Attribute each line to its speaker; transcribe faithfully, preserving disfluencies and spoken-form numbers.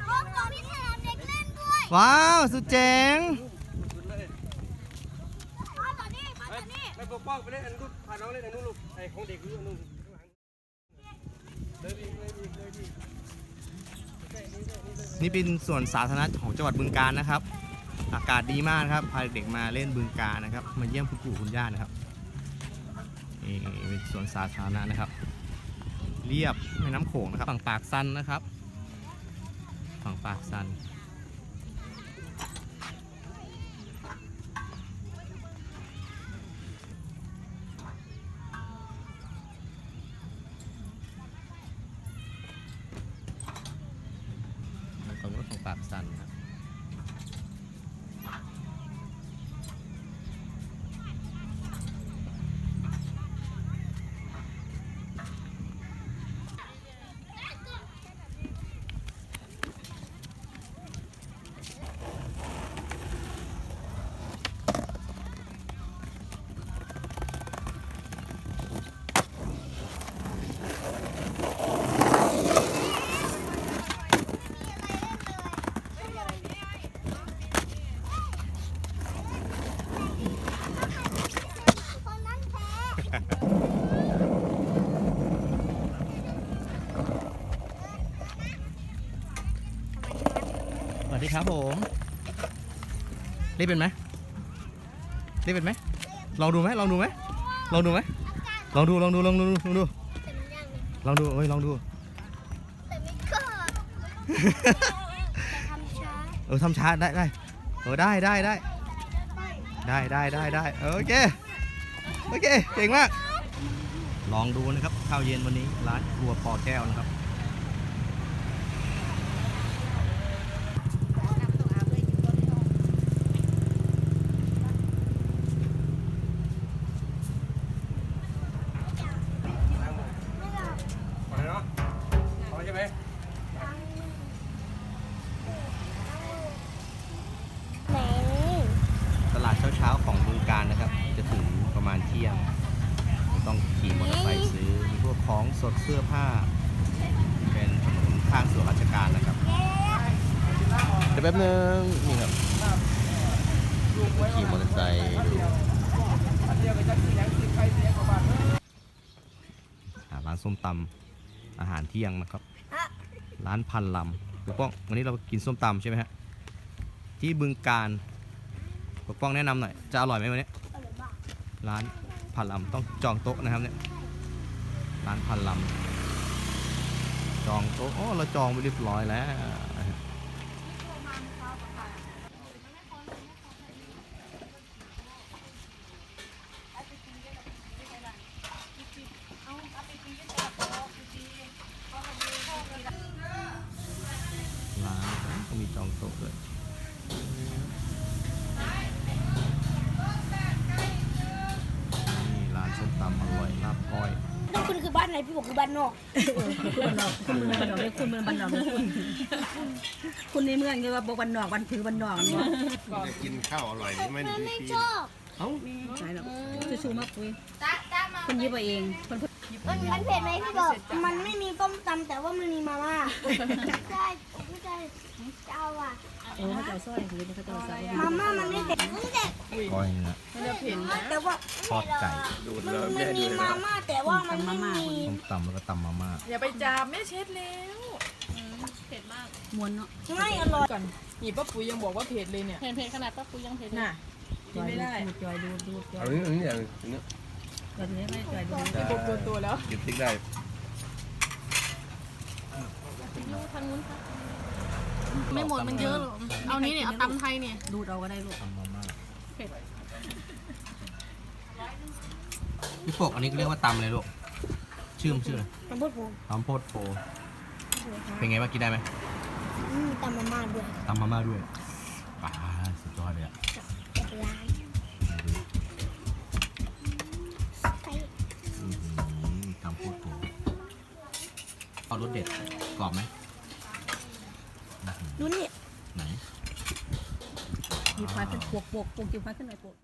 Speaker 1: ว้าวสุดเจ๋ง
Speaker 2: ไปปกป้องไปเล่นอันนู้นพาน้องเล่นอันนู้นลูกไอ้ของเด็กลูกอันนู้นเลยดีเลยดีเลยดี
Speaker 1: นี่เป็นสวนสาธารณะของจังหวัดบึงกาฬนะครับอากาศดีมากครับพาเด็กมาเล่นบึงกาฬนะครับมาเยี่ยมคุณปู่คุณย่านะครับนี่เป็นสวนสาธารณะนะครับเรียบแม่น้ำโขงนะครับฝั่งปากซันนะครับฝั่งปากซันตรงนู้นของปากซันครับสวัสดีครับผมเล่นเป็นไหมเล่นเป็นไหมลองดูไหมลองดูไหมลองดูไหมลองดูลองดูลองดูลองดูลองดูเอ้ยลองดูเออทำช้าได้ได้เออได้ได้ได้ได้ได้ได้ได้โอเคโอเคเก่งมากลองดูนะครับข้าวเย็นวันนี้ร้านครัวปอแก้วนะครับตลาดเช้าๆของบึงกาฬนะครับจะถึงประมาณเที่ยงต้องขี่มอเตอร์ไซค์ซื้อมีพวกของสดเสื้อผ้าเป็นถนนข้างส่วนราชการนะครับเดี๋ยวแป๊บนึงนี่ครับขี่มอเตอร์ไซค์ดูร้านส้มตำอาหารเที่ยงนะครับร้านพันลำปกป้องวันนี้เรากินส้มตำใช่ไหมฮะที่บึงกาฬปกป้องแนะนำหน่อยจะอร่อยไหมวันนี้ร้านพันลำต้องจองโต๊ะนะครับเนี่ยร้านพันลำจองโต๊ะอ๋อเราจองไปเรียบร้อยแล้วร้านก็มีจองโต๊ะด้วยนี่ร้านส้มตำอร่อยลาบก้อย
Speaker 3: ต้องคุณคือบ้านไหนพี่บอกคือบ้านนอก
Speaker 4: คุณบ้านนอกคุณเมืองบ้านนอกเลยคุณเมืองบ้านนอกเลยคุณคุณในเมืองคือว่าบอกบ้านนอกบ้านผือบ้านนอกเนาะ
Speaker 5: จะกินข้าวอร่อยนี่ไม่ดี
Speaker 3: ไม่
Speaker 5: ปี
Speaker 3: ชอบ
Speaker 4: เอ้าใช่หรอกจะชูมาคุยคนยิบเองคน
Speaker 3: มันมันเผ็ดไหมพี่บอกมันไม่มีต้มตำแต่ว่ามันมีมาม่าใช่ไม่ใช่เจ้าอ่ะ
Speaker 4: โอ้เขาจะซอยคือเขาจะซอย
Speaker 3: มาม่ามันไม่เผ็ดไม่เผ็ด
Speaker 1: ก้อยเนื้อ
Speaker 3: แต่ว่า
Speaker 1: ทอดไก่
Speaker 3: มันมีมาม่าแต่ว่ามันไม่มี
Speaker 1: ส้มตำแล้วก็ตำมาม่า
Speaker 6: อย่าไปจามแม่เช็ดแล้วเผ็ดมาก
Speaker 4: มวนเนาะ
Speaker 3: ไม่อร่อย
Speaker 6: ก่อนนี่ป้าปุ๋ยยังบอกว่าเผ็ดเลยเนี่ย
Speaker 4: เผ็ดเผ็ดขนาดป้าปุ๋ยยังเผ็ด
Speaker 6: น่ะกินไม่ได้
Speaker 4: จอยดูดูจอย
Speaker 5: อันนี้อันนี้อย่างนี้
Speaker 4: จอยนี้ไม่จอยดู
Speaker 6: ตัวตัวตัวแล้ว
Speaker 5: กินติ๊กได้
Speaker 6: ยูทางนู้นค่ะไม่หมดมันเยอะหรอเอานี้เนี่ยเอาตำไทยเนี่ย
Speaker 4: ดูเราก็ได้ลูก
Speaker 1: ตำมาม่า
Speaker 6: เผ็ด
Speaker 1: พี่ปกอันนี้เรียกว่าตำเลยลูกชื่อมันชื่ออะไร
Speaker 3: ตำโพดโผ
Speaker 1: ตำโพดโพเป็นไงบ้างกินได้ไหม
Speaker 3: มีตำมาม่าด้วย
Speaker 1: ตำมาม่าด้วยป่าสุดยอดเลยอะ
Speaker 3: ร้าน
Speaker 1: ตำโพดโพเอารสเด็ดกรอบไหม
Speaker 3: ดูนี่
Speaker 1: ไหน
Speaker 4: หยิบไฟขึ้นปวกปวกปวกหยิบไฟขึ้นหน่อยปวก